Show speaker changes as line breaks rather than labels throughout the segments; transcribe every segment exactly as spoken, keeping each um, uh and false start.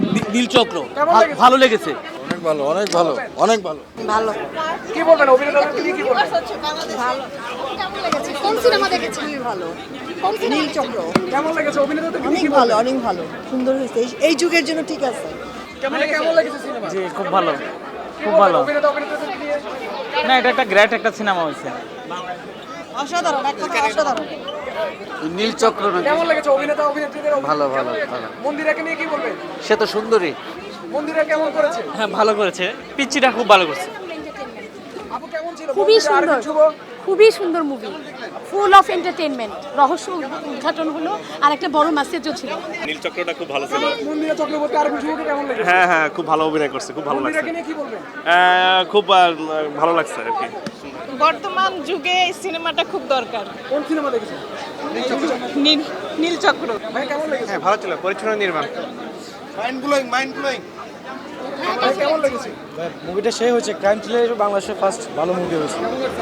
নীলচক্র ভালো লেগেছে।
অনেক ভালো, অনেক ভালো, অনেক ভালো।
ভালো।
কি বলবেন অভিনেতাদেরকে নিয়ে কি বলবেন?
ভালো। কেমন লেগেছে? কোন সিনেমা দেখেছেন? খুবই ভালো। কোন সিনেমা? নীলচক্র।
কেমন লেগেছে অভিনেতাদেরকে
অনেক
নিয়ে কি
ভালো,
বলবেন?
অনেক ভালো। সুন্দর হয়েছে। এই- এই যুগের জন্য ঠিক আছে।
কেমন কেমন লেগেছে সিনেমা?
জি খুব ভালো,
কি
খুব
বলবেন
ভালো।
অভিনেতা অভিনেতাদেরকে নিয়ে?
না এটা একটা গ্রেট একটা সিনেমা হয়েছে।
অসাধারণ, এক কথা অসাধারণ।
নীলচক্র নাকি?
কেমন লেগেছে অভিনেতা অভিনেত্রীদের?
ভালো, ভালো, ভালো।
মন্দিরাকে নিয়ে কি বলবেন?
সে তো সুন্দরী।
মন্দিরা কেমন করেছে?
হ্যাঁ ভালো করেছে, পিচ্চিটা খুব ভালো করছে।
আপু কেমন ছিল?
খুবই
মন্দিরা আর
সুন্দর,
কিছু?
খুবই সুন্দর মুভি, ফুল অফ এন্টারটেইনমেন্ট, রহস্য উদ্ঘাটন হলো আর একটা বড় মেসেজও ছিল।
নীলচক্রটা খুব ভালো ছিল।
মন্দিরা চক্রবর্তী আর কিছু কেমন লেগেছে?
হ্যাঁ হ্যাঁ খুব ভালো অভিনয় করছে, খুব ভালো লাগছে।
মন্দিরাকে নিয়ে কি বলবেন?
আহ, খুব আহ, ভালো লাগছে আর কি।
বর্তমান যুগে এই সিনেমাটা খুব দরকার।
কোন সিনেমা দেখেছেন?
নীল নীলচক্র।
ভাই কেমন লেগেছে?
ভালো ছিল, পরিচ্ছন্ন নির্মাণ।
Mind blowing, mind blowing.
ভাই কেমন লেগেছে?
মুভিটা সেই হচ্ছে ক্রাইম থ্রিলার বাংলাদেশের ফার্স্ট ভালো মুভি হয়েছে।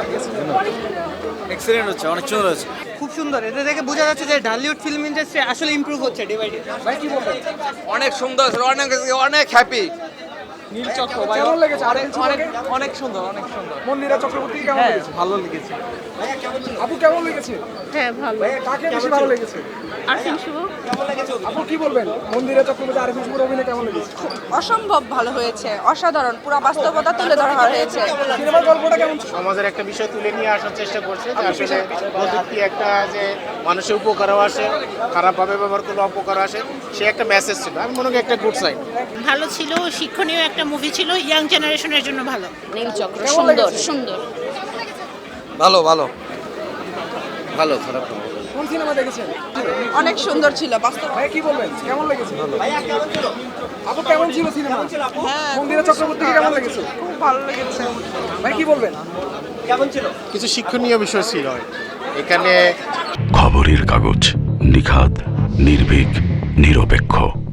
এক্সিলেন্ট হচ্ছে, অনেক সুন্দর হচ্ছে।
খুব সুন্দর। এটা দেখে বোঝা যাচ্ছে যে ঢালিউড ফিল্ম ইন্ডাস্ট্রি আসলে ইমপ্রুভ হচ্ছে ডে বাই ডে।
ভাই কি বলবেন?
অনেক সুন্দর, অনেক অনেক হ্যাপি।
নীলচক্র
কেমন লেগেছে? আর কিছু
অনেক
বলবেন?
অনেক সুন্দর, অনেক সুন্দর।
মন্দিরা চক্রবর্তী কেমন
হ্যাঁ
লেগেছে?
ভালো লেগেছে।
আপু কেমন লেগেছে?
হ্যাঁ ভালো।
ভাই কাকে বেশি ভালো লেগেছে?
আরফিন শুভ।
আপু কি বলবেন? মন্দিরা চক্রবর্তী আর কিছু অভিনয় কেমন লেগেছে?
অসম্ভব ভালো হয়েছে, অসাধারণ। পুরো বাস্তবতা তুলে ধরা হয়েছে।
সিনেমার গল্পটা কেমন ছিল?
সমাজের একটা বিষয় তুলে নিয়ে আসার চেষ্টা করছে যে আসলে প্রযুক্তি একটা যে মানুষের উপকারও আসে, খারাপভাবে ব্যবহার করলে অপকারও আসে, সে একটা মেসেজ ছিল। আমি মনে করি একটা গুড সাইড।
ভালো ছিল, শিক্ষণীয় একটা মুভি ছিল, ইয়াং জেনারেশনের জন্য ভালো।
নীলচক্র
কেমন
সুন্দর,
লেগেছে?
সুন্দর।
ভালো, ভালো, ভালো, খারাপ না।
কোন সিনেমা দেখেছেন?
অনেক সুন্দর ছিল বাস্তব।
ভাই কি বলবেন? কেমন লেগেছে? আপু কেমন ছিল সিনেমা? মন্দিরা চক্রবর্তী কেমন লেগেছে?
খুব ভালো লেগেছে।
ভাই কি বলবেন?
কিছু শিক্ষণীয় বিষয় ছিল এখানে।
খবরের কাগজ, নিখাদ, নির্ভীক, নিরপেক্ষ।